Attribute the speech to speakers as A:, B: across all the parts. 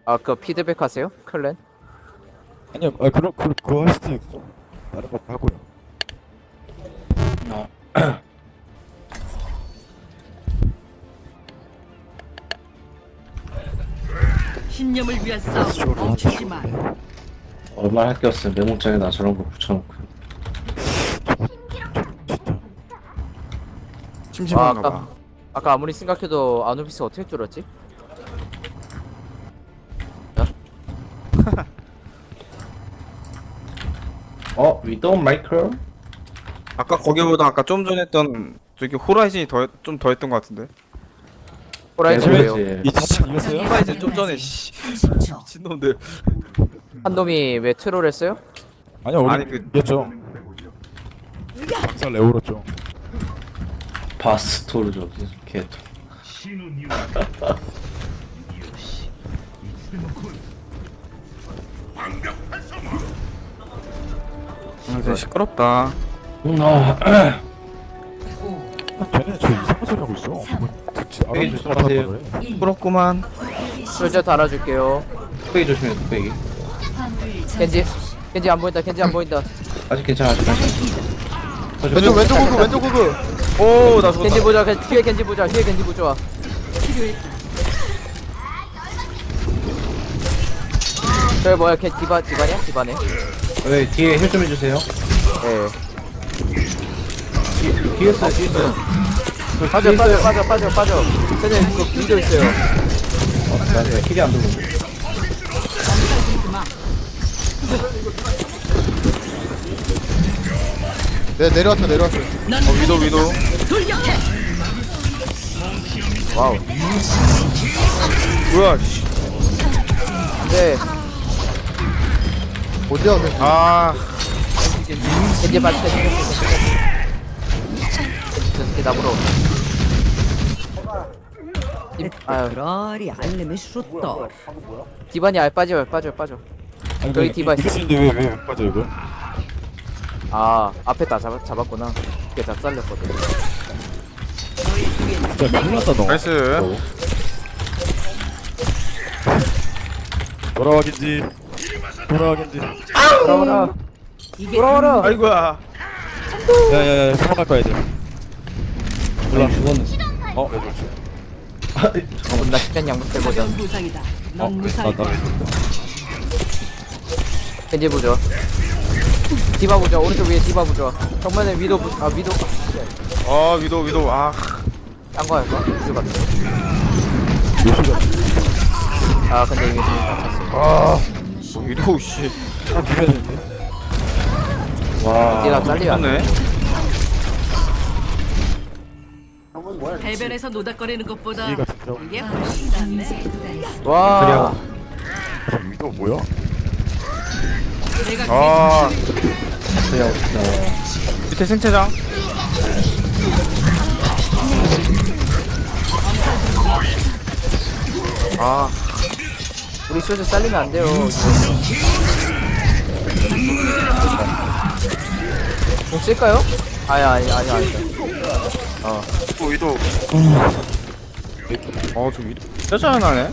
A: 아, 그 피드백 하세요? 클랜?
B: 아니요, 그거 할 수도 있고 다른 것도 하고요.
C: 신념을 위한 싸움 멈추지 마.
D: 얼마나 할게였어요. 메모장에다 저런 거 붙여놓고.
B: 진짜.
E: 심심한가 봐.
A: 아까 아무리 생각해도 아누비스 어떻게 뚫었지?
D: 위도우 마이크로?
E: 아까 거기보다 아까 좀 전에 했던 저기 호라이즌이 좀 더 했던 것 같은데.
A: 호라이즌 왜요?
D: 네,
B: 이 자판 이겼어요?
E: 호라이즌 좀 전에 씨 미친놈들.
A: 한 놈이 왜 트롤 했어요?
B: 아니요, 우리
E: 아니, 그-
B: 이겼죠. 박살 내오렸죠.
D: 바스토르죠. 걔도.
E: 진짜 시끄럽다.
B: 쟤네 저 이상한 소리 하고 있어. 뭐 듣지
D: 여기
B: 알아듣지
D: 조심하세요.
B: 못하는 거래.
E: 시끄럽구만.
A: 솔저 달아줄게요.
D: 뚝배기 조심해, 뚝배기.
A: 겐지 안 보인다. 겐지 안 보인다.
D: 아직 괜찮아, 아직 괜찮아.
E: 왼쪽 호그 왼쪽 호그. 오나
A: 겐지
E: 죽었다.
A: 보자. 뒤에 겐지 보자. 뒤에 겐지 보자. 저기 뭐야? 걔 디바냐? 디바네.
D: 네, 뒤에 힐 좀 해주세요.
A: 예.
D: 뒤에 있어요, 뒤에 있어요.
A: 빠져. 쟤네 그 빈도 있어요.
D: 나 힐이 안 들어오네.
F: 네, 내려왔어.
E: 위도.
A: 와우.
E: 뭐야? 씨.
A: 네.
F: 어디야, 너?
E: 아
A: 겐지 빠져. 저 새끼 나보러. 아유,
C: 그러리 알림이 슈터.
A: 디바니 빠져.
B: 아니,
A: 저기 디바 있어.
B: 이겼는데 왜 빠져 이거?
A: 아, 앞에 다 잡았구나. 그게 다 잘렸거든.
B: 진짜 큰일 났다 너.
E: 나이스.
B: 돌아와긴지.
A: 돌아와라.
C: 이게
A: 돌아와라.
E: 아이고야.
B: 야야야, 도망갈 거야 이제.
D: 몰라, 죽었네.
B: 왜 그렇지?
A: 존나 시간 양보해보자.
C: 가벼운 부상이다. 넌
B: 나
C: 무사할 거야.
A: 겐지 보죠. 디바 보죠. 오른쪽 위에 디바 보죠. 정면에 위도 위도
E: 위도. 아
A: 딴거 할까? 위도 같은
B: 요시가.
A: 아 근데 이미 다 찼어.
E: 위도 씨.
B: 비벼야 되는데.
D: 와.
A: 디가 잘리면 안 돼.
E: 좋네.
C: 해변에서 노닥거리는 것보다
B: 이해가 진짜.
C: 이게 훨씬 낫네.
A: 와.
B: 위도 뭐야?
C: 내가
E: 아
D: 그냥,
E: 밑에 생체장. 아
A: 우리 솔저 잘리면 안 돼요. 좀 쓸까요? 아니.
E: 위도. 좀 위도. 짜증 나네.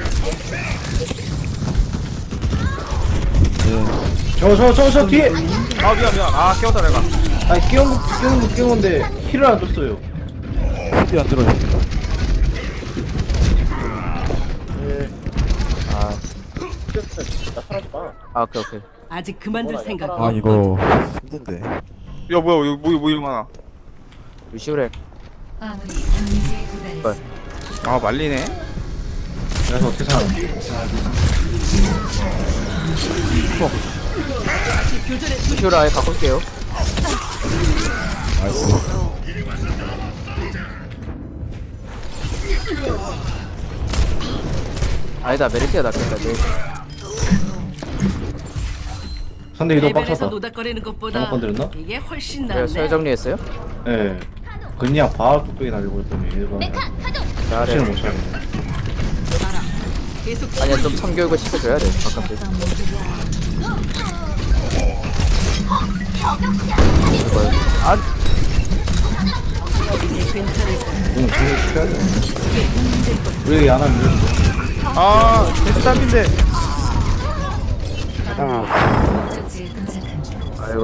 D: 저 뒤에!
E: 아 미안. 아 깨웠다 내가.
D: 아니, 끼운 건데, 힐을 안 줬어요.
B: 힘이 안 들어.
A: 아 오케이.
C: 아직 그만둘 생각.
B: 아 이거 힘든데.
E: 야 뭐야 이거 뭐 이런 거 하나.
A: 루시오레.
E: 아 말리네.
D: 그래서 어떻게 살아?
A: 루시오레 아예 바꿀게요.
B: 나이스.
A: 아니다 메르시가 낫겠다. 네.
D: 상대 위도
C: 해변에서
D: 빡쳤다.
C: 노닥거리는 것보다
D: 잘못 건드렸나?
C: 이게 훨씬
A: 그래
C: 낫네.
A: 서열 정리했어요?
D: 예. 그냥 바로 뚝배기 날리고 있더니 얘가
A: 잘해.
D: 정신을 못 차리네.
C: 계속
A: 아니야 좀 참교육을 시켜줘야 돼. 가끔씩. 아
C: 이제 괜찮을 거야.
D: 응, 그거 시켜야 돼. 우리 안 하면
E: 아 계속 딸핀데.
A: 아이고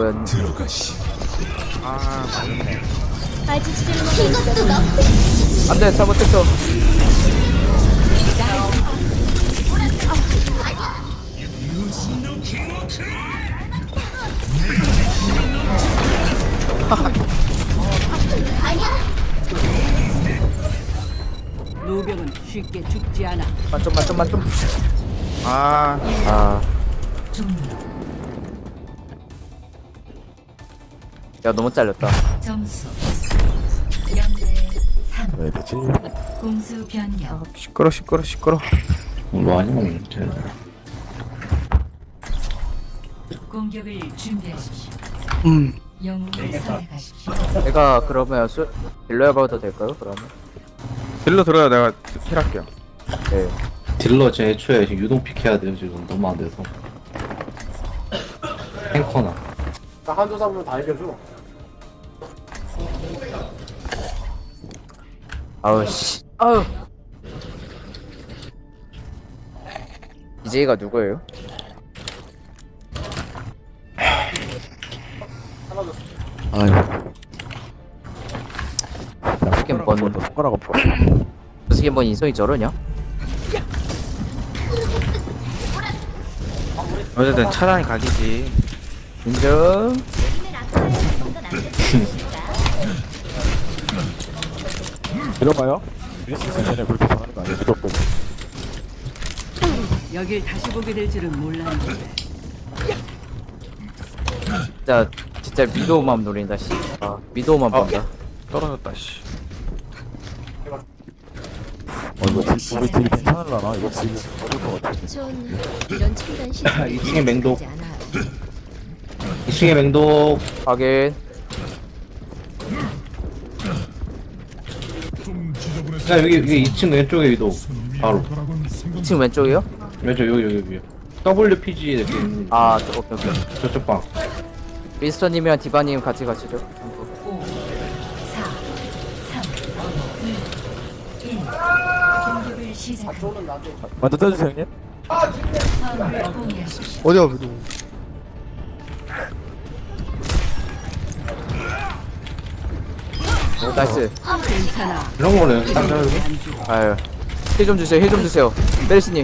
E: 아 맞네.
F: 아직 쓸모가 있어.
A: 안돼 잘못했어.
C: 노병은 쉽게 죽지 않아.
A: 만점.
E: 아
A: 아. 야 너무 잘렸다.
G: 점수 0대 3
B: 왜 되지?
G: 공수 변경
E: 시끄러.
D: 뭐 아니면 돼.
G: 공격을 준비하십시오. 영웅을 선택하십시오.
A: 내가 그러면 딜러 해봐도 될까요? 그러면.
E: 딜러 들어야 내가 힐할게요.
A: 네.
D: 딜러 제 애초에 지금 유동 픽해야 돼요 지금 너무 안 돼서. 탱커나.
A: 아우 씨. 아우. BJ가 누구예요?
B: 아유.
A: 어떻게 뭔
B: 손가락 없어.
A: 어떻게 뭔 인성이 저러냐?
E: 어쨌든 차라리 각이지.
A: 인정.
B: 들어가요? 미니스 전에 그렇게 정하는 거 아니야? 무조건.
C: 여길 다시 보게 될 줄은 몰랐는데.
A: 진짜 미도우만 노린다 씨. 아 미도우만 본다.
E: 떨어졌다 씨.
B: 이거 우리 딜 괜찮을라나? 이거 지금 어릴 것 같아.
F: 전 이런 첨단 시스템
D: 2층에 맹독.
F: 않아요.
D: 2층에 맹독.
A: 확인.
D: 자 여기 2층 왼쪽에 위도. 바로.
A: 2층 왼쪽이요?
D: 왼쪽 여기. WPG 이렇게 있는
A: 아 오케이.
D: 저쪽 방.
A: 미스터님이랑 디바님 같이 가시죠.
G: 5 4 3 2 1 공격을 시작합니다.
B: 먼저 떠주세요 형님.
G: 화물을 공유하십시오.
H: 어디야 누구?
A: 나이스.
C: 괜찮아.
D: 이런 거는 딱 잡고.
C: 안 죽어.
A: 아유. 힐 좀 주세요. 메르시님.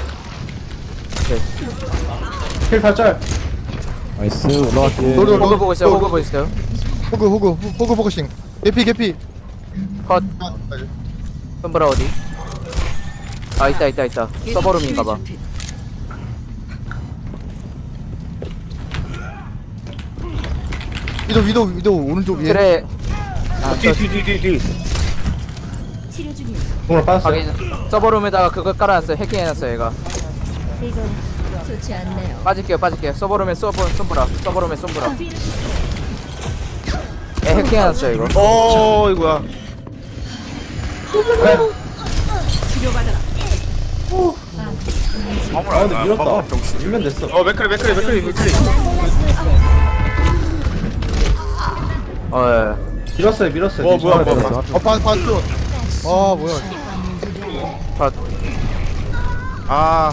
D: 힐 살짝.
B: 나이스 올라갈게.
H: 노려.
A: 호그 보고 있어요. 호그 보고 있어요.
H: 호그 포커싱. 개피.
A: 컷.
H: 아, 빨리.
A: 덤브라 어디? 아 있다. 서버룸인가봐.
H: 위도 오른쪽 위에.
A: 그래.
E: 뒤.
F: 치료 중이에요.
D: 공을 빠졌어.
A: 확인. 서버룸에다가 그거 깔아놨어요. 해킹해놨어요 얘가.
F: 이건 좋지 않네요.
A: 빠질게요. 서버룸에 솜브라. 에 해킹해놨어요 이거.
E: 이거야.
C: 치료받아라.
D: 아 근데 밀었다. 밀면 됐어.
E: 맥크리.
A: 예.
D: 밀었어요.
E: 뭐야.
H: 봤어. 아 뭐야.
A: 컷.
E: 아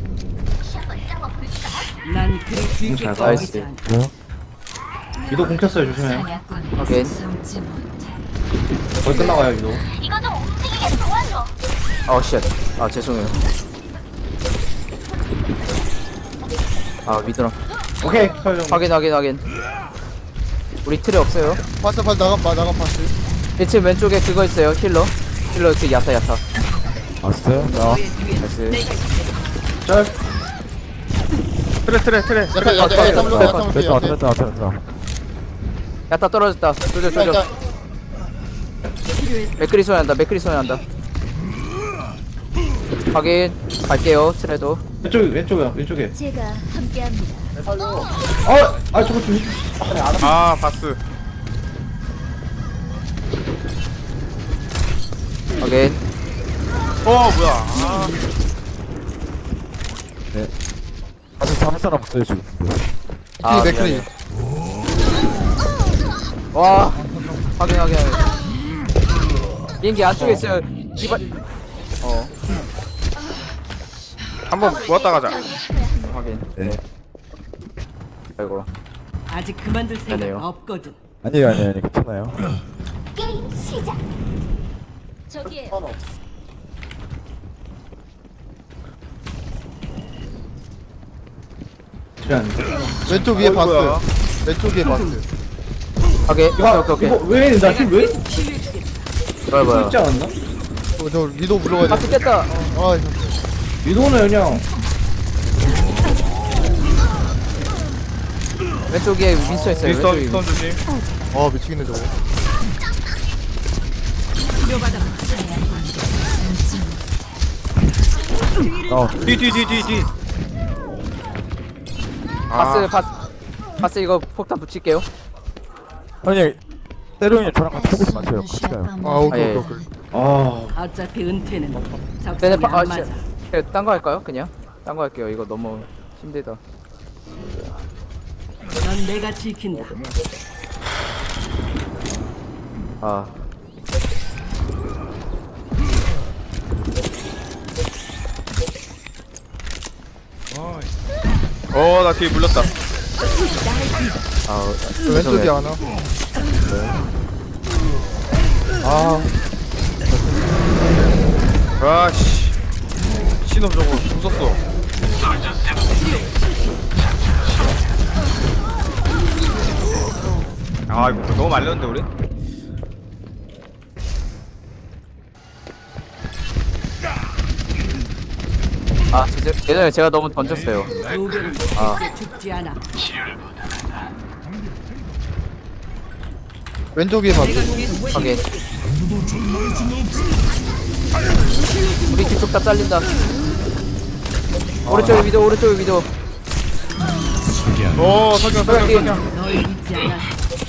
C: 난 그리 쉽게
D: 잘
A: 나이스.
C: 꺼지지 않아.
D: 위도 공켰어요 조심해.
G: 사냥꾼
A: 오케이.
G: 숨지 못해.
D: 거의 끝나가요 위도.
A: 아 쉣. 아 죄송해요. 아 미드랑.
D: 오케이 형.
A: 확인. 우리 틀에 없어요.
H: 봤어 나간 봤어.
A: 1층 왼쪽에 그거 있어요. 힐러 그 야타.
B: 왔어요? 자.
C: 너의 뒤에
A: 나이스.
D: 짤.
E: 트레.
B: 됐다.
A: 야타 떨어졌다. 조져. 맥크리 소리 난다. 확인. 갈게요. 트레도.
D: 왼쪽에.
F: 제가 함께합니다.
D: 아 저거 좀 해주시.
E: 아 바스.
A: 확인.
E: 뭐야. 아
B: 아직 잡을 사람 없어요 지금.
A: 아,
H: 맥크리.
A: 미안해. 와. 확인. 비행기 안쪽에 있어요. 디바.
E: 한번 모았다 가자.
A: 확인.
B: 네.
A: 아이고.
C: 아직 그만둘 생각
A: 아니에요.
C: 없거든.
B: 아니에요 괜찮아요.
F: 게임 시작. 저기에
D: 필요한데.
H: 왼쪽 위에
E: 어이구야.
H: 바스. 왼쪽 위에 바스.
A: 오케이. 오케이.
D: 이거 왜 나 힘 왜?
A: 뭐야.
D: 있지 않았나?
H: 저 위도 불러가야
A: 박스
H: 돼.
A: 깼다.
H: 아,
D: 위도는 그냥
A: 왼쪽에 윈스턴 있어요.
E: 리스턴
A: 왼쪽에
E: 리스턴 조심.
H: 아 미치겠네 저거.
E: 뒤.
A: 바스 이거 폭탄 붙일게요.
B: 아니 때로는 저랑 같이 해보지 마세요. 같이 가요.
H: 아 오케이
A: 아, 예.
H: 오케이.
D: 아
C: 어차피 은퇴는
A: 네네.
C: 적성이 안 맞아.
A: 딴거 할까요? 그냥 딴 거 할게요. 이거 너무 힘들다.
C: 넌 내가 지킨다.
A: 아.
E: 나 뒤에 물렸다.
A: 아,
H: 왼쪽에 하나. 아
E: 아씨. 신호 저거 부쉈어. 아 이거 너무 말렸는데 우리?
A: 아, 진짜 예전에 제가 너무 던졌어요.
C: 노병은
A: 아.
C: 죽지 않아.
H: 왼쪽 위에 바스.
A: 확인. 우리 뒤쪽 다 잘린다. 오른쪽에 위도, 오른쪽에 위도.
E: 석영.
C: 널 잊지 않아.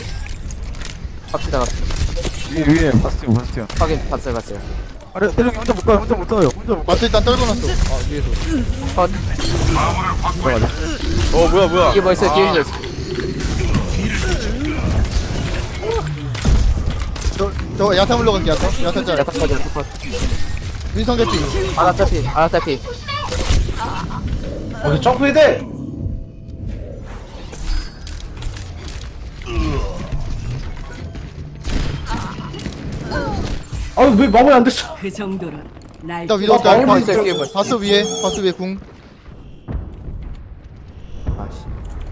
A: 갑시다.
B: 위에 바스티온.
A: 확인, 봤어요.
B: 아래 때롱이 혼자 못 가요. 혼자 못 가요. 혼자 못
H: 바스 일단 떨궈놨어. 아 위에서.
A: 컷.
B: 가요.
E: 뭐야?
A: 뒤에 뭐 있어요? 뒤에 뭐 있어요?
H: 저 야타 물러갈게 야타. 야타 짤.
A: 야타 컷, 야타 컷.
H: 윈성 개피.
A: 아나타피.
D: 어디 점프해야 돼? 아유 왜 마무리 안 됐어?
C: 그 정도는 날
H: 일단 위도 짤.
A: 마무리 있어요, 뒤에 뭐 있어요?
H: 바스 위에 궁.
A: 아씨.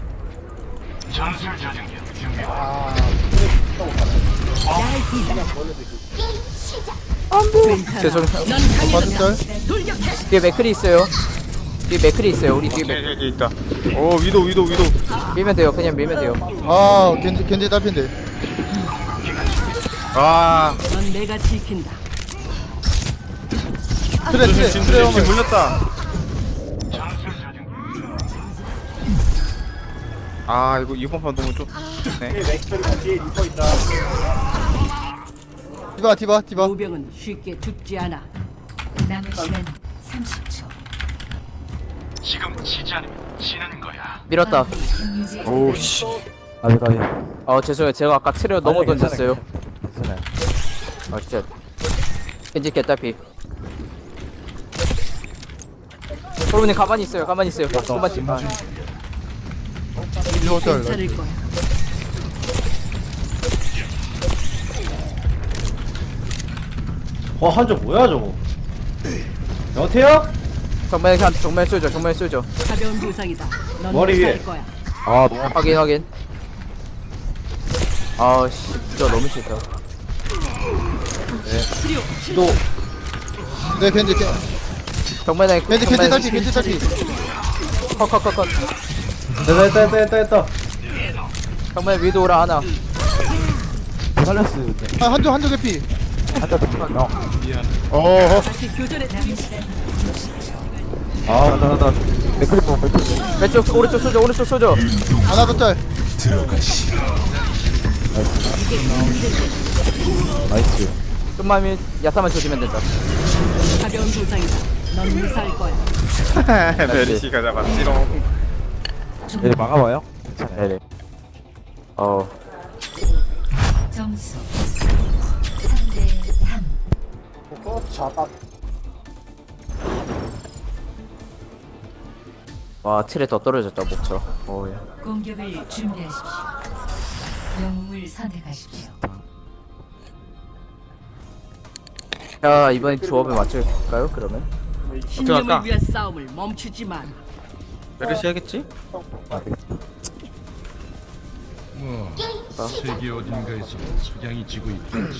A: 죄송해요.
H: 바스 짤.
A: 뒤에 맥클이 있어요. 우리 뒤에 맥
E: 여기 있다. 위도.
A: 밀면 돼요. 그냥 밀면 돼요.
H: 아 겐지 딸핀데.
C: 넌 내가 지킨다.
H: 트레
E: 지금 물렸다. 아 이거 이번 판 너무 좀. 네.
H: 디바.
C: 노병은 쉽게 죽지 않아.
G: 남은 시간 30초.
A: 밀었다.
E: 오씨.
B: 가비.
A: 죄송해요. 제가 아까 트레어 너무 던졌어요.
B: 괜찮아요.
A: 아 진짜. 겐지 개따피. 여러분님 가만히 있어요. 조금만
H: 위도 짤.
C: 괜찮을 거야.
D: 한조 뭐야 저거? 여태요?
A: 정말 쏘죠.
C: 가벼운 부상이다. 넌
D: 머리 위에.
C: 살 거야.
B: 아 너무
A: 확인. 아씨, 진짜 너무 싫다.
D: 또
H: 네 겐지.
A: 정말
H: 겐지 딸피.
A: 컷.
D: 됐다.
A: 정말 위도 오라 하나.
B: 살렸어.
H: 아 한조 개피.
B: 한자 더.
H: 어허.
C: 다시 교전에
B: 나 맥크리 뭐
A: 왼쪽 오른쪽 쏘죠.
H: 하나 더 짤.
B: 나이스.
A: 좀만 야타만 조지면 된다.
C: 가벼운 부상이다. 넌 무사할 거야.
E: 메리시가 잡았지롱.
B: 얘 막아봐요. 괜찮아요.
A: 네네.
G: 점수 3대 3.
A: 와 틀에 더 떨어졌다 목처럼. 어야.
G: 공격을 준비하십시오. 영웅을 선택하십시오.
A: 자 이번엔 조합에 맞출까요 그러면?
C: 신념을
E: 할까?
C: 위한 싸움을 멈추지 마.
E: 메르시 하겠지?
I: 세계 어딘가에서 석양이 지고 있겠지.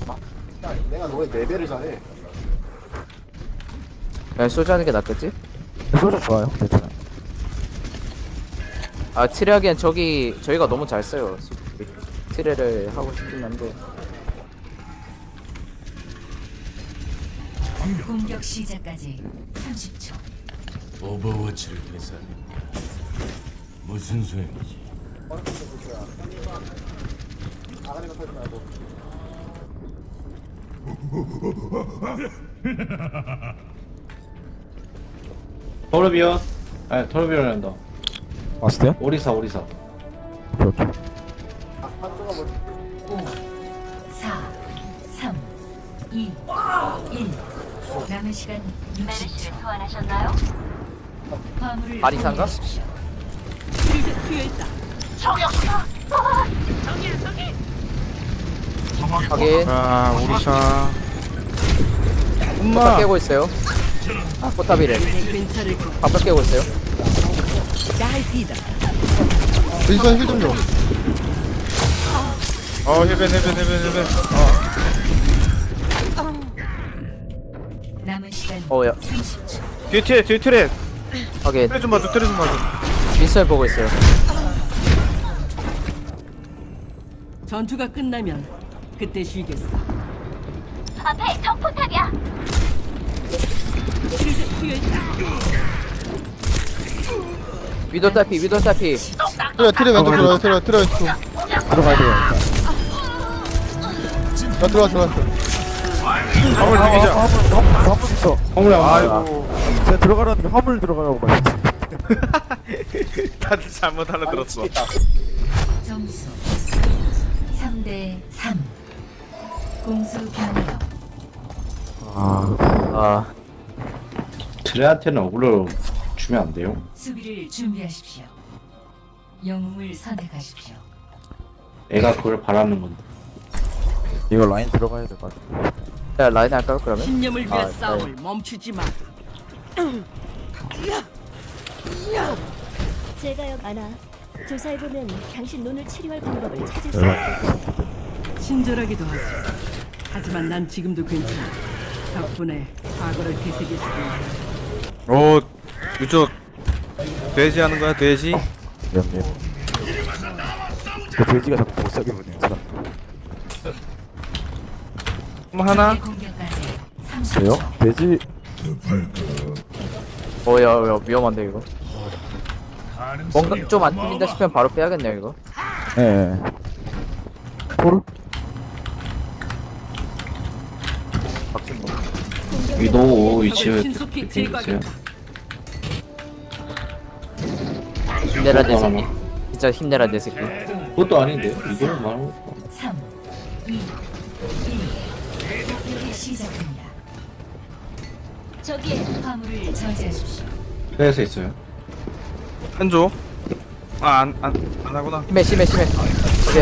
A: 그냥 소주 하는 게 낫겠지?
B: 소주 좋아요. 괜찮아요.
A: 아 틀에 하기엔 저희가 너무 잘 써요. 트레를 하고 싶긴 한데.
G: 공격 시작까지 30초.
I: 오버워치를 계산했다. 무슨 소용이지?
D: 토르비온 아니 토르비온이란다.
B: 마스터요?
D: 오리사
G: 5, 4, 3, 2, 1. 남은 시간 60초.
F: 소환하셨나요?
G: 화물을
A: 아리산가?
G: 공유하십시오.
C: 쉴드 트여 있다.
A: 하긴
E: 아 오리샤.
A: 포탑
E: 엄마.
A: 깨고 있어요. 아 포탑이래.
C: 이제 괜찮을 거.
A: 밥을 깨고 있어요.
C: 나이티다.
H: 윈선 힐좀 줘.
E: 헬벤.
G: 남은 시간
A: 어야
G: 30초.
E: 뒤에 트랩.
A: 하긴
E: 트랩 좀 봐줘.
A: 미스를 보고 있어요.
C: 전투가 끝나면 그때 쉬겠어.
F: 앞에 적포탑이야.
C: 쉴드 트여 있다.
A: 위도 딸피 위도 딸피.
H: 트레 왼쪽 들어요. 트레 왼쪽.
B: 들어가야 돼요.
H: 나 들어왔어.
E: 화물 비비자.
B: 화물 있어.
D: 화물에
E: 아이고.
B: 제가 들어가라는 게 화물 들어가라고 말했지.
E: 다들 잘못 알아들었어.
G: 점수 3대 3. 공수 변경.
A: 아
D: 드레한테는 어그로 주면 안 돼요?
G: 수비를 준비하십시오. 영웅을 선택하십시오.
D: 애가 그걸 바라는 건데.
B: 이거 라인 들어가야 될 것 같아.
A: 자 라인 할까요 그러면?
C: 신념을 위한
A: 아,
C: 싸움을 멈추지 마.
F: 제가요 아나. 조사해보면 당신 눈을 치료할 방법을 찾을 수 있을 거예요.
C: 친절하기도 하지. 하지만 난 지금도 괜찮아. 덕분에 과거를 되새겼으니.
E: 오 유저 돼지 하는 거야 돼지?
B: 미안. 그 돼지가 자꾸 못 사게 보네요. 사람.
E: 하나.
G: 공격까지
B: 돼요?
G: 30초.
B: 돼지
A: 어야 위험한데 이거. 뭔가 좀 안 뚫린다 싶으면 바로 빼야겠네요 이거.
B: 예. 토르?
D: 위도우 위치에
C: 신속히
D: 있어요.
C: 제거하겠다.
A: 힘내라 내 새끼. 진짜 힘내라 내 새끼.
D: 그것도 아닌데 위도우 말하는 거.
G: 3, 2, 1. 공격이 시작됩니다.
F: 저기에
G: 화물을 저지하십시오.
D: 회에서 있어요.
E: 한조. 안 하구나.
A: 심해. 오케이.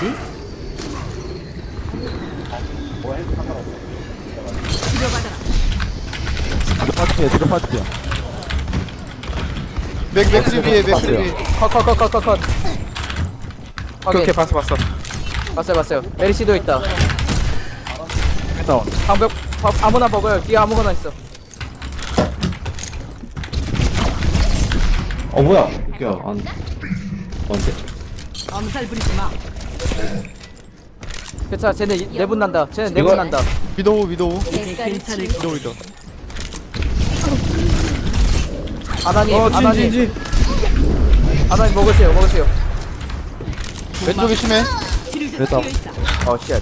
B: 파티야, 지금 파티야.
H: 맥크리 위에 맥크리 위에.
A: 컷.
E: 오케이 봤어.
A: 봤어요. 메리시도 있다.
B: 다운.
A: 방벽 아무나 먹어요. 뒤에 아무거나 있어.
D: 뭐야? 이게 안 뭔데?
C: 엄살 부리지 마.
A: 괜찮아. 쟤네 내분 난다. 쟤네
D: 이거-
A: 내분 난다.
H: 위도우.
C: 이제 괜찮을 거.
A: 아나님
E: 진지.
A: 아나님 먹으세요.
H: 왼쪽이 심해.
C: 쉴드
B: 됐다.
C: 트여 있다.
A: 어 쉣.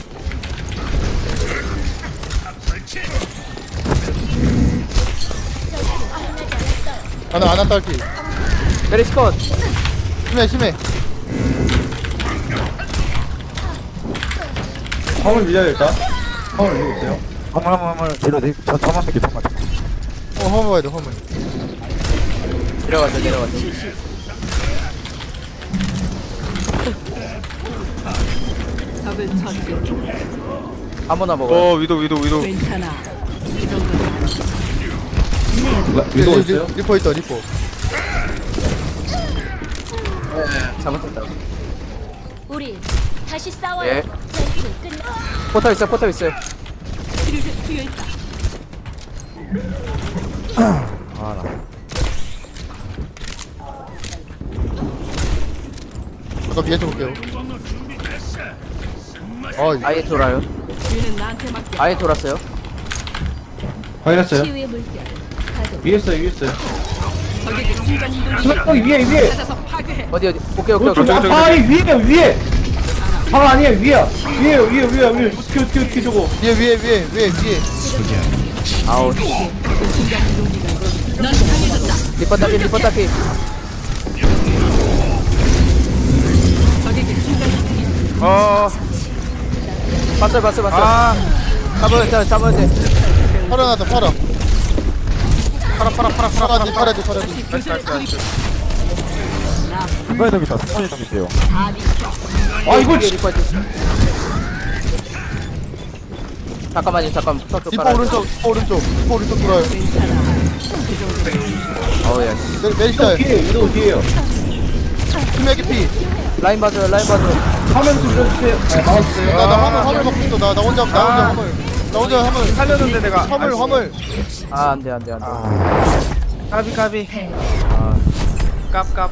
H: 아나 딸피.
A: 메리시 컷.
H: 심해.
D: 화물 밀어야 일단. 화물 밀고 있어요.
B: 화물. 이러 내 저만 믿게 정말.
H: 허물 봐야 돼 허물.
A: 내려가자 내려가자.
C: 적을 처치.
A: 아무나 먹어.
E: 위도.
C: 괜찮아. 이 정도는
D: 위도 있어요?
H: 리퍼 있다 리퍼.
A: 잘못했다.
F: 우리 다시 싸워요.
A: 예.
F: 전투는 끝나.
A: 포탑 있어 포탑 있어요.
C: 치료제 투여 있다.
B: 아나
H: 잠깐 위에 쳐볼게요.
A: 아예 돌아요.
C: 뒤는 나한테 맡겨.
A: 아예 돌았어요.
D: 확인했어요?
F: 치유의 물결. 가동.
D: 위에 있어요.
C: 적에게 순간 이동.
D: 거기 위에.
C: 찾아서 파괴해.
A: 어디 오케이.
D: 위에. 방 아니야 위야. 위에. 튀 저거.
H: 위에.
A: 아우.
C: 넌 강해졌다.
A: 리퍼 따피.
C: 적에게 순간 이동.
A: 봤어요.
E: 아
A: 잡아야 돼.
H: 팔아 나다 팔아.
E: 팔아.
H: 팔아야 돼.
E: 나이스.
B: 중간에 덤 있다. 중간에 덤 있대요.
D: 아 이거
A: 뒤에 리퍼 있지. 잠깐만요. 턱
H: 리퍼 오른쪽 돌아요.
A: 어우야.
H: 메리시다.
D: 위도 뒤에요.
H: 투맥이 피.
A: 라인 봐줘요.
D: 화면 좀 밀어주세요. 막아주세요.
H: 나 화물 먹고 있어. 나 혼자 화물.
E: 살렸는데 내가.
H: 화물.
A: 아 안돼.
E: 까비. 깝.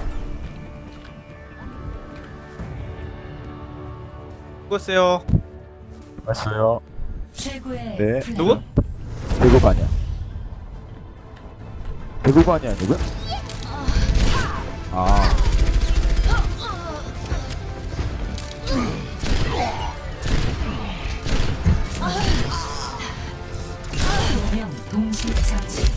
E: 수고했어요.
B: 맞어요.
G: 최고의
B: 네.
G: 플레이.
E: 누구?
B: 배고가 아니야. 배고가 아니야 누구? 아
G: 명 동시 처치.